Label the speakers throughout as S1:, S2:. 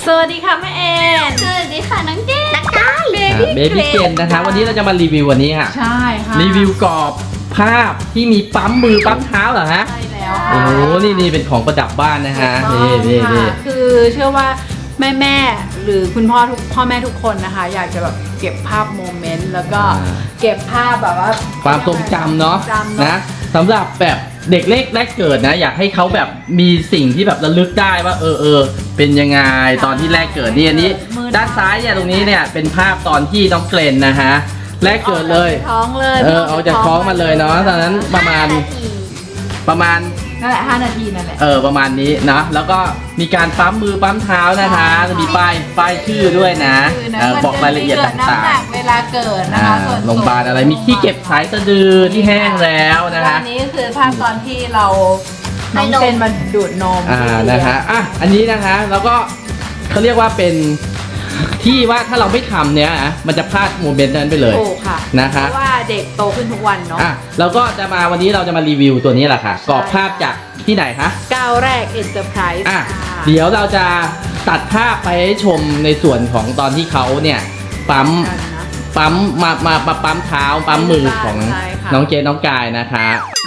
S1: สวัสดีค่ะแม่เอ็น
S2: สวัสดีค่ะน้องเจนนักกาย
S1: เบ
S3: เบบี้เกนนะคะวันนี้เราจะมารีวิววันนี้ค่ะ
S1: ใช่ค่ะ
S3: รีวิวกรอบภาพที่มีปั๊มมือปั๊มเท้าเหรอฮะ
S1: ใช่แล้ว
S3: โอ้
S1: ค่ะ
S3: โหนี่เป็นของประดับบ้านนะฮะ
S1: ถูก
S3: นี่
S1: ต้อง
S3: นี่
S1: ค่ะคือเชื่อว่าแม่หรือคุณพ่อแม่ทุกคนนะคะ อยากจะแบบเก็บภาพโมเมนต์แล้วก็เก็บภาพแบบว่า
S3: ความทรงจำเนาะ
S1: จำเนอะ
S3: นะสำหรับแบบเด็กเล็กแรกเกิดนะ อยากให้เขาแบบมีสิ่งที่แบบระลึกได้ว่าเป็นยังไงตอนที่แรกเกิดนี่อันนี้ด้านซ้ายเนี่ยตรงนี้เนี่ยเป็นภาพตอนที่น้องเกรนนะฮะแรกเกิดเลย
S1: ออกจากท้องเลย
S3: เอาจากท้องมาเลยเนาะตอนนั้นประมาณ
S1: นั่นแหละ5 นาทีนั่นแหละ
S3: ประมาณนี้นะแล้วก็มีการปั๊มมือปั๊มเท้านะคะจะมีป้ายชื่อด้วยนะบอกรายละเอียดต่าง
S1: น้ำหนักเวลาเกิดนะคะส่วน
S3: ๆโรงพยาบาลอะไรมีที่เก็บสายสะดือที่แห้งแล้วนะคะ
S1: อันนี้คือภาพตอนที่เราน้องเจนมาดูดนม
S3: นะคะอันนี้นะคะแล้วก็เขาเรียกว่าเป็นที่ว่าถ้าเราไม่ทำเนี่ยมันจะพลาดโมเมนต์นั้นไปเลย
S1: โอ้ค่ะ
S3: นะคะ
S1: เพราะว่าเด็กโตขึ้นทุกวันเนาะ
S3: เราก็จะมาวันนี้เราจะมารีวิวตัวนี้แหละค่ะกรอบภาพจากที่ไหนคะ
S1: ก้าวแรก Enterprise
S3: เดี๋ยวเราจะตัดภาพไปให้ชมในส่วนของตอนที่เขาเนี่ยปั๊มมาปั๊มเท้าปั๊มมือของน้องเจนน้องกายนะคะ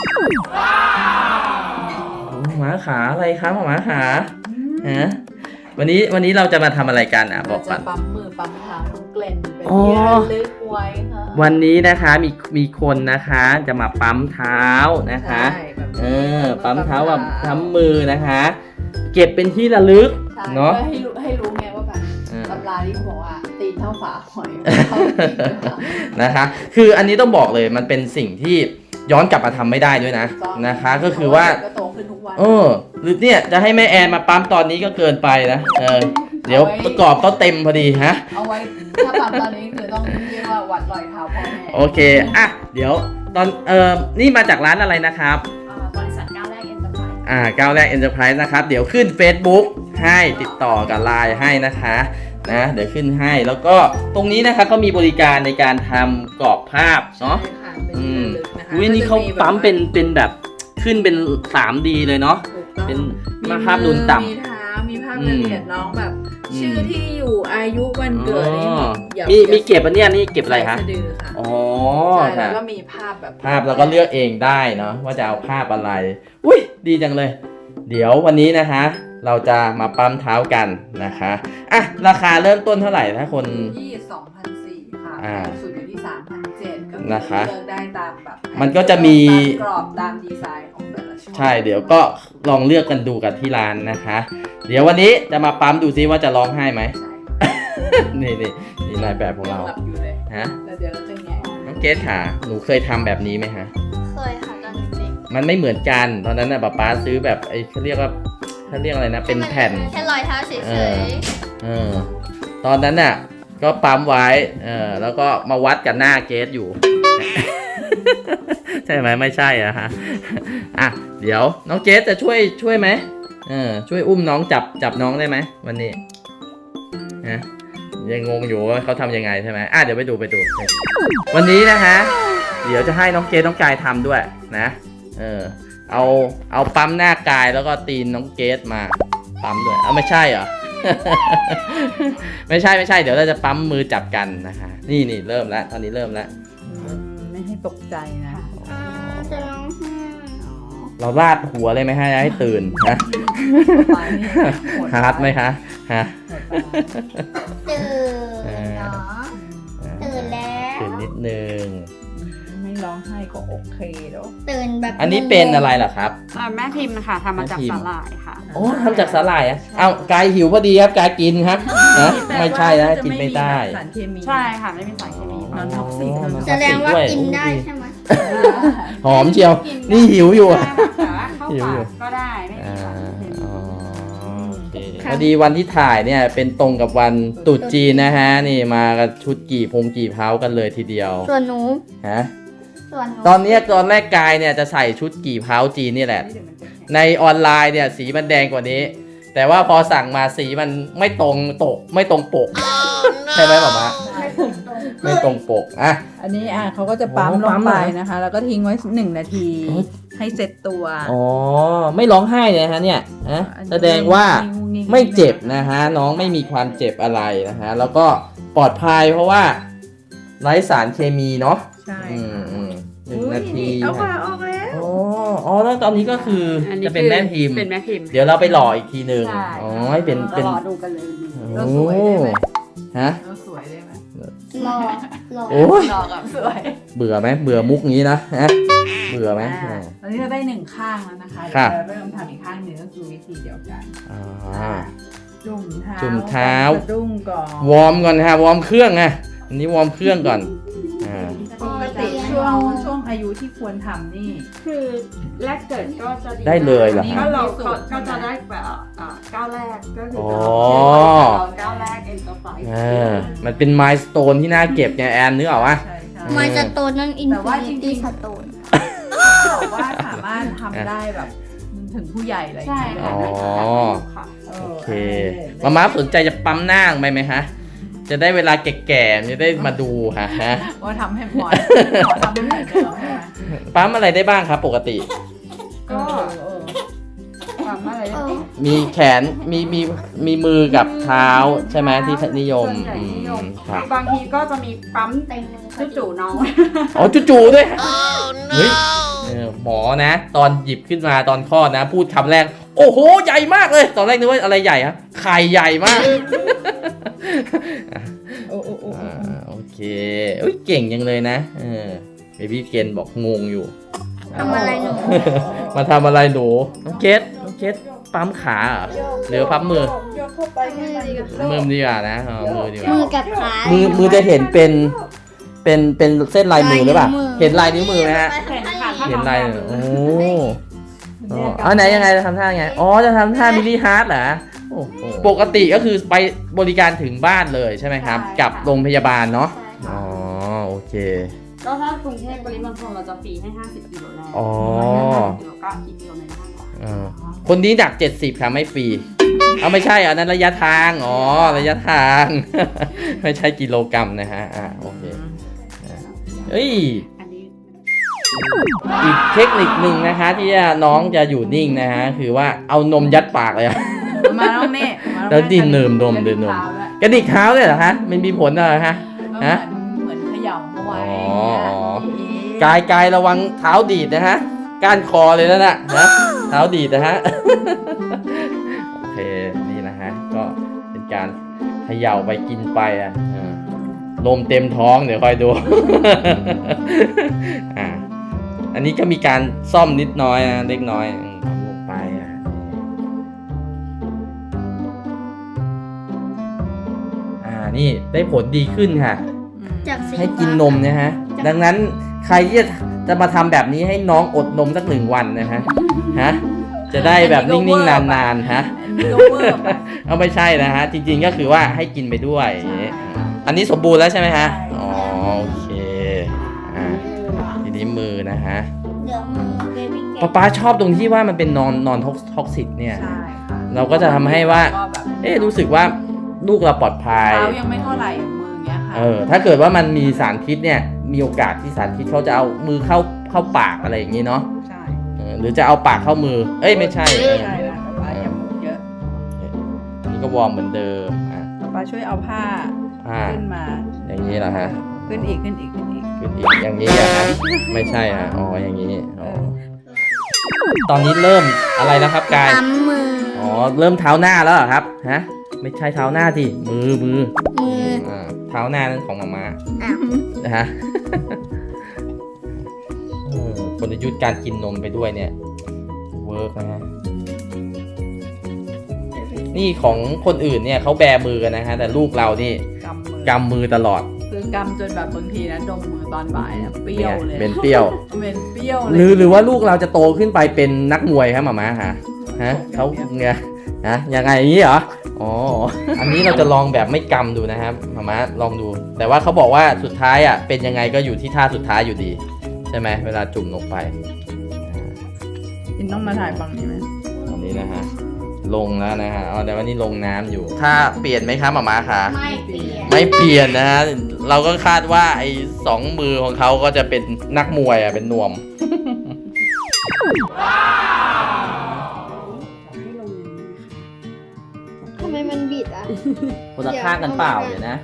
S3: หมาขาอะไรคะหมาขาฮะวันนี้เราจะมาทำอะไรกันบอกก่อน
S1: ปั๊มมือปั๊มเท้าน้องเกลนเป็นที่ระลึกไว้ค่ะ
S3: วันนี้นะคะมีคนนะคะจะมาปั๊มเท้านะคะ
S1: ใช่แบบ
S3: ปั๊มเท้าแบบปั๊มมือนะคะ เก็บเป็นที่ระลึกเนาะ
S1: ให้รู้ไงว่าแบบตำราที่เขาบอกว่าตีนเท่าฝาหอย
S3: นะคะคืออันนี้ต้องบอกเลยมันเป็นสิ่งที่ย้อนกลับมาทำไม่ได้ด้วยนะนะคะก็คือว่า
S1: ก็โตขึ้นทุกวัน
S3: หรือเนี่ยจะให้แม่แอนมาปั๊มตอนนี้ก็เกินไปนะเดี๋ยวประกอบเขาเต็มพอดีฮะ
S1: เอาไว้ถ้าปั๊มตอนนี้คือต้องเรียกว่าวัดรอยเท้าพ่อแม่
S3: โอเคเดี๋ยวตอนนี่มาจากร้านอะไรนะครับ
S1: บริษัทก้าวแรก Enterprise
S3: ก้าวแรก Enterprise นะครับเดี๋ยวขึ้น Facebook ให้ติดต่อกับ LINE ให้นะคะนะเดี๋ยวขึ้นให้แล้วก็ตรงนี้นะคะก็มีบริการในการทำกรอบภาพเนาะ อุ้ยนี่เขาปั๊มเป็นแบบขึ้นเป็น 3D เลยเนาะเป็นมาภาพนูนต่ำ
S1: มีเท้ามีภาพละเอียดน้องแบบชื่อที่อยู่อายุวันเกิด
S3: มีเก็บอันเนี้ยนี่เก็บอะไรคะ
S1: สะดือค่ะ
S3: อ๋อ
S1: ใช่แล้ว
S3: ค่ะ
S1: ก็มีภาพแบบ
S3: ภาพเราก็เลือกเองได้เนาะว่าจะเอาภาพอะไรอุ้ยดีจังเลย เดี๋ยววันนี้นะคะ เราจะมาปั๊มเท้ากันนะคะราคาเริ่มต้นเท่าไหร่ถ้าคน
S1: ที่ 2,400 ค่ะสุดอยู่ที่ 3,700 ก็เลือกได้ตามแบบ
S3: มันก็จะมี
S1: กรอบตามดีไซน์ของแต่ละช่อง
S3: ใช่เดี๋ยวก็ลองเลือกกันดูกันที่ร้านนะคะ เดี๋ยววันนี้จะมาปั๊มดูซิว่าจะร้องไห้ไหม นี่นายแบบของเรา
S1: หลับอยู่เลย
S3: ฮะ
S1: แล้วเดี๋ยวเราจะแงะ
S3: น้องเกดค่ะหนูเคยทำแบบนี้ไหมฮะ
S2: เคยค่ะตอนเด็ก
S3: มันไม่เหมือนกันตอนนั้นน่ะป๊าซื้อแบบเขาเรียกอะไรนะเป็นแผ่น
S2: แค่รอยเท้าเฉย
S3: ตอนนั้นน่ะก็ปั๊มไว้แล้วก็มาวัดกับหน้าเกดอยู่ ใช่ไหมไม่ใช่อะฮะเดี๋ยวน้องเกดจะช่วยไหมช่วยอุ้มน้องจับน้องได้ไหมวันนี้นะยังงงอยู่ว่าเขาทำยังไงใช่ไหมเดี๋ยวไปดูวันนี้นะคะ เดี๋ยวจะให้น้องเกดน้องกายทำด้วยนะเอาปั๊มหน้ากายแล้วก็ตีนน้องเกดมาปั๊มด้วยไม่ใช่เหรอ ไม่ใช่เดี๋ยวเราจะปั๊มมือจับกันนะคะนี่เริ่มแล้วตอนนี้เริ่มแล้ว
S1: ไม่ให้ตกใจนะ
S2: ๆจะร้องไห้
S3: เราลาดหัวเลยไหมฮะให้ตื่นนะ ฮาร์ดไหมคะฮะ
S2: ตื่นเนาะตื่นแล้ว
S3: ตื่นนิดนึง
S1: ไม่ร้องไห้ก็โอเคแล้ว
S2: ตื่นแบบ
S3: อันนี้เป็นอะไรล่ะครับ
S4: แม่พิมพ์นะคะทำมาจากสาหร่ายค่ะ
S3: โอ้ทำจากสาหร่ายกายหิวพอดีครับกายกินครับนะไม่ใช่นะกินไม่ได้
S1: สารเคมี
S4: ใช่ค่ะ ไม่มีสารเคมี
S1: นอนท็อกซิก
S2: แสดงว่ากินได้ใช่ไหม
S3: หอมเชียวนี่หิวอยู่
S4: แต่ว่าเข้าปากก็ได้ไม่มีสารเคมี
S3: พอดีวันที่ถ่ายเนี่ยเป็นตรงกับวันตรุษจีนนะฮะนี่มากับชุดกี่เผากันเลยทีเดียว
S2: ส่วนหนู
S3: ฮะ
S2: ส่วนหนู
S3: ตอนแรกกายเนี่ยจะใส่ชุดกี่เผาจีนนี่แหละในออนไลน์เนี่ยสีมันแดงกว่านี้ แต่ว่าพอสั่งมาสีมันไม่ตรงปกใช่ไหมหมอมาไม่ตรงปก
S1: อันนี้เขาก็จะปั๊มลงไปนะคะ แล้วก็ทิ้งไว้1 นาทีให้เซ็ตตัว
S3: ไม่ร้องไห้เลยฮะเนี่ยแสดงว่าไม่เจ็บนะฮะน้องไม่มีความเจ็บอะไรนะฮะแล้วก็ปลอดภัยเพราะว่าไร้สารเคมีเนาะ
S1: ใช่
S3: หนึ่งนาที
S1: เอาขาออกแล้ว
S3: อ๋อแล้วตอนนี้ก็คือ
S4: อันนี้
S3: จะเป็นแม่พิมพ์
S4: เป็นแม่พิมพ์
S3: เดี๋ยวเราไปหล่ออีกทีหนึ่ง
S4: ใช่
S3: อ๋อให้เป็น
S4: เรารอดูกันเลย
S1: เราสวยได้ไหม
S3: ฮะ
S1: เราสวยได้ไหม
S2: รอรอ
S3: โอ้ย
S1: หลอกกับสวย
S3: เบื่อไหมเบื่อมุกนี้นะฮะเบื่อไหม
S1: ตอนนี้เราได้หนึ่งข้างแล้วนะคะ
S3: ค่ะ
S1: เดี๋ยวเราเริ่มทำอีกข้างหนึ่งก็คือวิธีเดียวกัน
S3: อ่า
S1: จุ่มเท้า
S3: จุ่มเท้า
S1: สะดุ้งก่อน
S3: วอร์มก่อนฮะวอร์มเครื่องไงอันนี้วอร์มเครื่องก่อนอ่า
S1: ปกติช่วงอายุที่ควรทำนี่
S4: คือแรกเกิดก็จะดี
S3: ได้เลยเหรอ
S4: ก็
S3: ฮะ
S4: เราก็จะได้แบบก้าวแรกก็คือ
S3: อ๋อ
S4: ก้าวแรกเอ็นเตอร์ไฟ
S3: มันเป็นมายสโตนที่น่าเก็บไงแอนนึกออกปะ
S1: ใช่ใช่
S2: มายสโตนนั่นอิน
S1: แต่ว่า
S2: ฟิ
S1: จริ
S2: นิ
S1: งๆ
S2: ตี้สโตน
S1: บอกว่าสามารถทำได้แบบถึงผู้ใหญ่เลย
S4: ใช่
S3: อ๋
S4: ค่ะ
S3: อ
S4: ค่ะ
S3: โอเคมาสนใจจะปั๊มหน้าลงไปไหมฮะจะได้เวลาแก่ๆจะได้มาดูฮะ
S1: ว่าทำให้หมอทำให้เหมือนเดิมใช่ไหม
S3: ปั๊มอะไรได้บ้างครับปกติ
S4: ก็
S1: เออ
S4: ความอะไร
S3: มีแขนมีมือกับเท้าใช่ไหมที่นิยม
S4: ส่วนใหญ่นิยม
S3: ครับ
S4: บางทีก็จะมีปั๊ม
S2: เต็มมือ
S4: จู่ๆน้อง
S3: อ๋อจู่ๆด้วยเฮ้ยหมอนะ ตอนหยิบขึ้นมาตอนคลอดนะ พูดคำแรกโอ้โหใหญ่มากเลย ตอนแรกนึกว่าอะไรใหญ่ฮะไข่ใหญ่มาก
S1: โอ้โอ้โอ้
S3: โอเคเอ้ยเก่งจังเลยนะเบบี้เกนบอกงงอยู่
S2: ทำอะไรหนู
S3: มาทำอะไรหนูน้องเกดปั๊มขาเหรอหรือปั๊มมือ
S1: โยกเข้าไปให้มัน
S3: มือดีกว่านะมือดีกว่า
S2: มือกับขา
S3: มือจะเห็นเป็นเส้นลายมือหรือเปล่าเห็นลายนิ้วมือไหมฮะ
S4: เห็นค่ะถ้า
S3: เห็น
S4: น้อง
S3: ลาย
S4: แบบ
S3: โอ้อ๋อไหนยังไงจะทำท่าไงอ๋อจะทำท่ามิลลี่ฮาร์ดเหรอโอ้โหปกติก็คือไปบริการถึงบ้านเลยใช่ไหมครับกับโรงพยาบาลเนาะอ๋อโอเค
S4: ก็ถ้ากรุงเทพปริมณฑลเราจะฟรีให้50กิโลแรก
S3: อ๋อ
S4: กิโลก็อีกกิโลนึง500
S3: คนนี้หนัก70ค่ะไม่ฟรีเอาไม่ใช่อันนั้นระยะทางอ๋อระยะทาง ไม่ใช่กิโลกรัมนะฮะโอเคเอ้ย
S4: อันนี้
S3: อีกเทคนิคหนึ่งนะคะที่น้องจะอยู่นิ่งนะฮะคือว่าเอานมยัดปากเลยอะ
S1: มาน้องเน่
S3: แล้วดินเนิมนมเดินนมกระดิกเท้าเลยเหรอฮะมันมีผลอะไรฮะ
S1: ฮะเหมือนเขย่าเอาไว้
S3: กายระวังเท้าดีดนะฮะก้านคอเลยนั่นน่ะนะเท้าดีดนะฮะ โอเคนี่นะฮะก็เป็นการเขย่าไปกินไปนมเต็มท้องเดี๋ยวคอยดู อันนี้ก็มีการซ่อมนิดน้อยนะเล็กน้อยทำลงไปนี่ได้ผลดีขึ้นค่ะ
S2: จากสี
S3: ให้กินนมนะฮะดังนั้นใครที่จะมาทำแบบนี้ให้น้องอดนมสัก1 วันนะฮะจะได้แบบนิ่งๆนานๆฮะ
S1: อันนี้ก็เวอร์ไป
S3: เอาไม่ใช่นะฮะจริงๆก็คือว่าให้กินไปด้วยอันนี้สมบูรณ์แล้วใช่ไหมฮะอ๋อโอเคทีนี้มือนะฮะ
S2: เหลือมือเบบี้เก
S3: ป๊าชอบตรงที่ว่ามันเป็นนอนท็อกซิกเนี่ย
S1: ใช่ค่ะ
S3: เราก็จะทำให้ว่า
S1: ก็แบบ
S3: รู้สึกว่าลูกเราปลอดภัย
S1: เท้ายังไม่เท่าไหร่มือเงี้ยค่ะ
S3: ถ้าเกิดว่ามันมีสารพิษเนี่ยมีโอกาสที่สารพิษเขาจะเอามือเข้าปากอะไรอย่างนี้เนาะ
S1: ใช่
S3: หรือจะเอาปากเข้ามือไม่ใช่
S1: ใช่นะป๊าอย่ามุกเยอะ
S3: นี่ก็วอร์มเหมือนเดิม
S1: ป๊าช่วยเอาผ้าขึ้นมา
S3: อย่างนี้เหรอฮะ
S1: ขึ้นอีกขึ้นอีกขึ้นอีก
S3: ขึ้นอีกอย่างนี้อะฮะไม่ใช่ฮะอย่างนี้ตอนนี้เริ่มอะไรแล้วครับกาย
S2: ปั๊มมือ
S3: เริ่มเท้าหน้าแล้วเหรอครับฮะไม่ใช่เท้าหน้าสิมือ
S2: มือ
S3: เท้าหน้านั่นของหมา
S2: อ้าว
S3: นะฮะกลยุทธ์การกินนมไปด้วยเนี่ยเวิร์กนะฮะนี่ของคนอื่นเนี่ยเขาแบมือกันนะฮะแต่ลูกเรานี่
S1: กำมือก
S3: ำมือตลอด
S1: คือกำจนแบบบางทีนะดมมือตอนบ่ายอะเปรี้ยวเลย
S3: เป็นเปรี้ยว
S1: เป็นเปรี้ยวเลย
S3: หรือว่าลูกเราจะโตขึ้นไปเป็นนักมวยครับหม่าม้าฮะเขาเนี่ยยังไงอย่างนี้เหรออันนี้เราจะลองแบบไม่กำดูนะครับหม่าม้าลองดู แต่ว่าเขาบอกว่าสุดท้ายเป็นยังไงก็อยู่ที่ท่าสุดท้ายอยู่ดีใช่ไหมเวลาจุ่มลงไป
S1: อินต้องมาถ่ายฝั่งนี้ไหม
S3: อันนี้นะฮะลงแล้วนะฮะแต่ว่านี่ลงน้ำอยู่ถ้าเปลี่ยนไหมครับหม่าม้าคะ
S2: ไม่เปลี่ยน
S3: ไม่เปลี่ยนนะฮะเราก็คาดว่าไอ้2 มือของเขาก็จะเป็นนักมวยเป็นนวม
S4: ให้ลง
S2: มมันบิดอ่ะ
S3: คนละข้างกันเปล่าเดี๋ยวนะ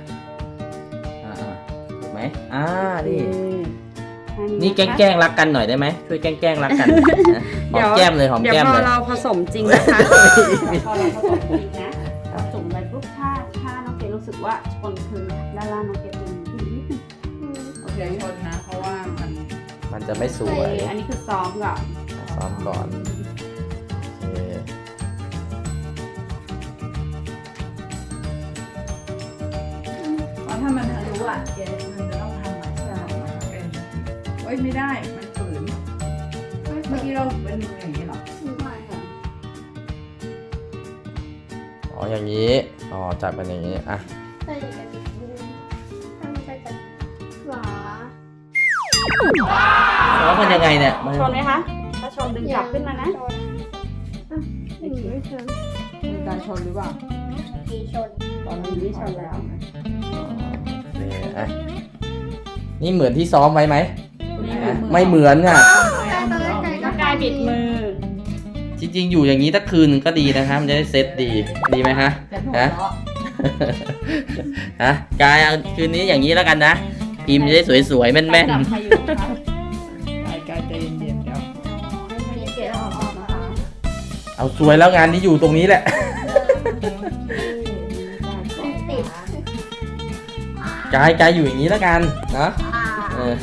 S3: ถูกไหมนี่ นี่แกล้งรักกันหน่อยได้ไหมช่วยแกล้งรักกันนะหอมแก้มเลยหอม
S4: เดี๋ยว
S3: แก้ม
S4: พ
S3: เล
S4: อย เราผสมจริงนะคะพอเราผสมจริงนะเราจุ่มไปปุ๊บถ้าน้องเกดรู้สึกว่าชนคือด้านล่างน้องเกดดึงขึ้นนิดนึง
S1: โอเคทนนะ เพราะว่ามัน
S3: จะไม่สวย
S4: อันนี้คือซ้อมก่อน
S3: ซ้อมก่อนโอเค
S1: เพราะถ้ามันทะลุอ่ะเกดมันจะต้องทำใหม่เป็นเอ้ยไม่ได้มันฝืนเฮ้ยเมื่อกี้เราเป็นอย่างนี้เหรอ
S3: อ๋ออย่างนี้จับเป็นอย่างนี้อ่ะ
S2: ใส่กันนิดนึงทำไปกับขวา
S3: ซ้อมกันยังไงเนี่ยมัน
S4: ชนไหมคะถ้าชนดึงกลับขึ้นมานะ
S2: ไม่ชน
S1: มีการชนหรือเปล่า
S2: กี่ชน
S4: ตอนนี้ไม่ชนแล้ว
S3: โอเคอ่ะนี่เหมือนที่ซ้อมไว้ไหมไม่เหมือนค่ะ
S4: ร่างกายบิดมือ
S3: จริงๆอยู่อย่างนี้สักคืนนึงก็ดีนะครับมันจะได้เซตดีไหมฮะ
S1: แต่หัว
S3: ฮะ
S1: เราะ
S3: ฮะกายเอาคืนนี้อย่างนี้แล้วกันนะพิมพ์จะได้สวยๆแม่น
S4: จับพายุนะคะ
S1: กายใจเย็นๆเดี๋ยว
S2: เกดออกมา
S3: ๆเอาสวยแล้วงานนี้อยู่ตรงนี้แหละ
S2: ติด
S3: กายอยู่อย่างนี้แล้วกันนะเออ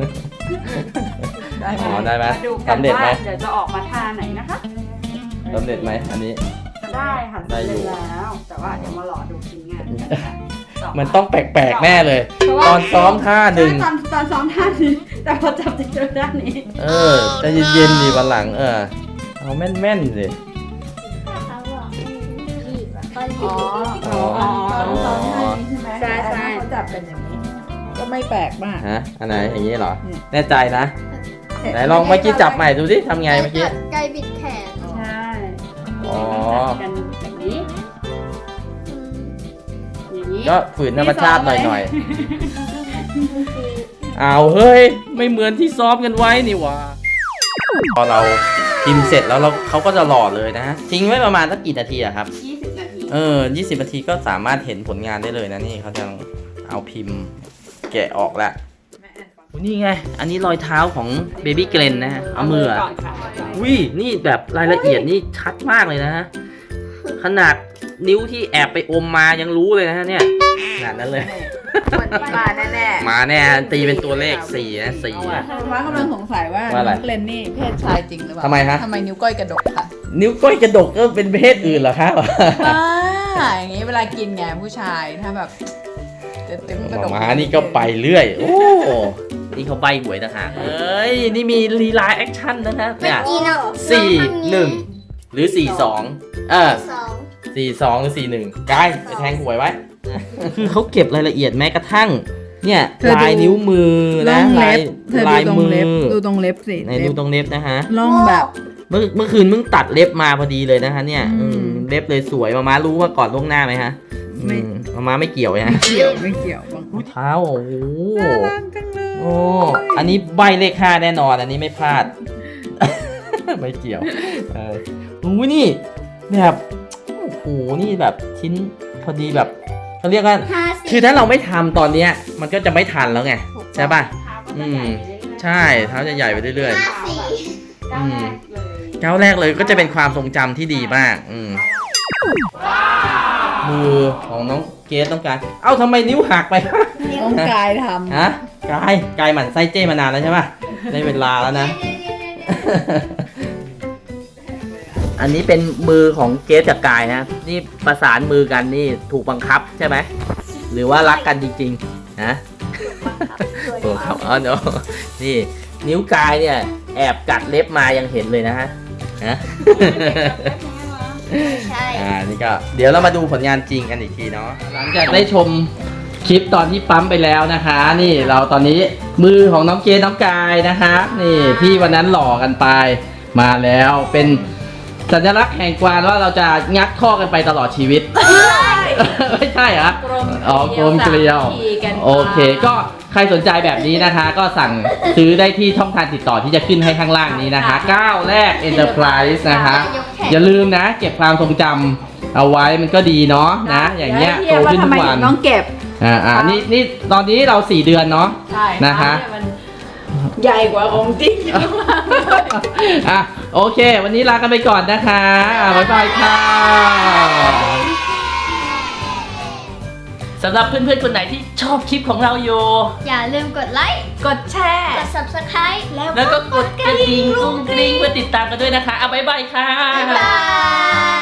S1: ได้ไหม
S3: อ๋อได้ไหม
S4: มาดูกัน
S3: สำเร็จไหม
S4: ว่าเดี๋ยวจะออกมาท่าไหนนะคะ
S3: สำเร็จไหมอันนี้
S4: ได้ค่ะ
S3: ได้
S4: สำ
S3: อยู่
S4: เร็จแล้ว แต่ว่าเดี๋ยวมารอดูชิ้นงานกันค่ะ
S3: มันต้องแปลกๆแน่เลย ตอนซ้อมท่าหนึ่ง
S4: ตอนซ้อมท่านี้ แต่พอจับจะเจอด้านนี้
S3: ใจเย็นๆดิวันหลังเอาแม่นๆสิ
S2: เขาบอกบีบอะตอน
S1: อ๋
S2: บี
S1: อบ อ๋อตอนท่านี้ใช่ไหม
S4: ใช่ใช่
S1: เขาจับเป็นอย่างนี้ ก็ไม่แปลกมาก
S3: ฮะอันไหนอย่างนี้เหรอ
S1: อืม
S3: แน่ใจนะไหนลองเมื่อกี้จับใหม่ดูสิทำไงเมื่อกี้
S2: ไกลบิดแขน
S4: ใช่
S3: อ๋อ
S4: จับกันแบบนี้ อย่างนี้
S3: ก็ฝืนธรรมชาติหน่อยเอาเฮ้ยไม่เหมือนที่ซ้อมกันไว้นี่หว่าพอเราพิมพ์เสร็จแล้วเขาก็จะหล่อเลยนะทิ้งไว้ประมาณสักกี่นาทีอะครับ
S4: 20 นาที
S3: 20 นาทีก็สามารถเห็นผลงานได้เลยนะนี่เขาจะเอาพิมพ์แกะออกแล้วนี่ไงอันนี้รอยเท้าของเบบี้เกรนนะฮะเอามือ
S4: ก่อนค่ะ
S3: วินี่แบบรายละเอียดนี่ชัดมากเลยนะฮะขนาดนิ้วที่แอบไปอมมายังรู้เลยนะฮะเนี่ยขนาดนั้นเลย
S1: วันนี้มาแน่
S3: มาแน่ตีเป็นตัวเลข4นะ4นะ
S1: ๆฟ้ากำลังสงสัยว่า
S3: ว่าอะไร
S1: น้องเกรนนี่เพศชายจริงหรือเปล่า
S3: ทำไมฮะ
S1: ทำไมนิ้วก้อยกระดกค่ะ
S3: นิ้วก้อยกระดกก็เป็นเพศอื่นเหรอครับ
S1: อย่างนี้เวลากินไงผู้ชายถ้าแบบเต็มกระดก
S3: มานี่ก็ไปเรื่อย โอ้ นี่เขาใบหวยต่างหากเอ้ย นี่มีลีลาแอคชั่นนะฮะเนี่ย
S2: กินอ่ะ
S3: 4-1 หรือ 4-2
S2: สอง
S3: 4-2 หรือ 4-1กายไปแทงหวยไว้ คือเขาเก็บรายละเอียดแม้กระทั่ง เนี่ย ลายนิ้วมือนะลายลายมือ
S1: ดูตรงเล็บสิ
S3: ในดูตรงเล็บนะฮะ
S1: ล่องแบบ
S3: เมื่อคืนมึงตัดเล็บมาพอดีเลยนะคะเนี่ยเล็บเลยสวยมาม่ารู้มาก่อนล่วงหน้าไหมฮะ
S1: ไม่
S3: มาม่าไม่เกี่ยวนะ
S1: ไม่เกี่ยวบาง
S3: อุ้ยเท้าโอ้โห
S1: น่ารักจังเลย
S3: โอ้อันนี้ใบเลข5แน่นอนอันนี้ไม่พลาด ไม่เกี่ยวอู้นี่แบบโอ้โหนี่แบบชิ้นพอดีแบบเขาเรียกว่า
S2: 50
S3: คือถ้าเราไม่ทำตอนเนี้ยมันก็จะไม่ทันแล้วไงใช่ป่ะ
S4: เท้าก็จะใหญ่ไปเรื่อยๆ
S3: ใช่เท้าจะใหญ่ไปเรื่อย
S2: 54
S4: ก้าวแรกเลย
S3: ๆก้าวแรกเลยก็จะเป็นความทรงจำที่ดีมากมือของน้องเกสต้องการเอ้าทำไมนิ้วหักไป
S1: ต้องกายท
S3: ฮะกายหมั่นไส้เจ้มานานแล้วใช่ป่ะได้เวลาแล้วนะ อันนี้เป็นมือของเกสกับกายนะนี่ประสานมือกันนี่ถูกบังคับใช่ไหมหรือว่ารักกันจริงๆนะถูกครับเนาะนี่นิ้วกายเนี่ยแอบกัดเล็บมายังเห็นเลยนะฮะ
S2: ใช่
S3: นี่ก็เดี๋ยวเรามาดูผลงานจริงกันอีกทีเนาะหลังจากได้ชมคลิปตอนที่ปั๊มไปแล้วนะคะ นี่เราตอนนี้มือของน้องเกสน้องกายนะคะนี่ที่วันนั้นหล่อกันไปมาแล้วเป็นสัญลักษณ์แห่งความว่าเราจะงัดข้อกันไปตลอดชีวิต ไม่ใช่เหรอ
S1: ำกลม
S3: อ๋อกลมเกลียว
S1: สามัคคีกัน
S3: โอเค ก็ใครสนใจแบบนี้นะคะ ก็สั่งซื้อได้ที่ช่องทางติดต่อที่จะขึ้นให้ข้างล่างนี้นะคะก้าวแรก Enterprise นะคะ อย่าลืมนะ เก็บความทรงจเอาไว้มันก็ดีเนาะนะ อย่างเงี้ยโตขึ้นทุกวัน
S1: น้องเก็บ
S3: นี่ตอนนี้เรา4 เดือนเนาะ
S1: ใช่
S3: นะคะ
S1: มันใหญ่กว่าของจริง
S3: โอเค วันนี้ลากันไปก่อนนะคะบ๊ายบายค่ะสำหรับเพื่อนๆคนไหนที่ชอบคลิปของเราอยู่
S2: อย่าลืมกดไลค์
S1: กดแชร์
S2: กด subscribe
S3: แล้วก็กดกระดิ่งกุ้งกริ้งเพื่อติดตามกันด้วยนะคะบ๊ายบายค่ะ
S2: บ๊ายบาย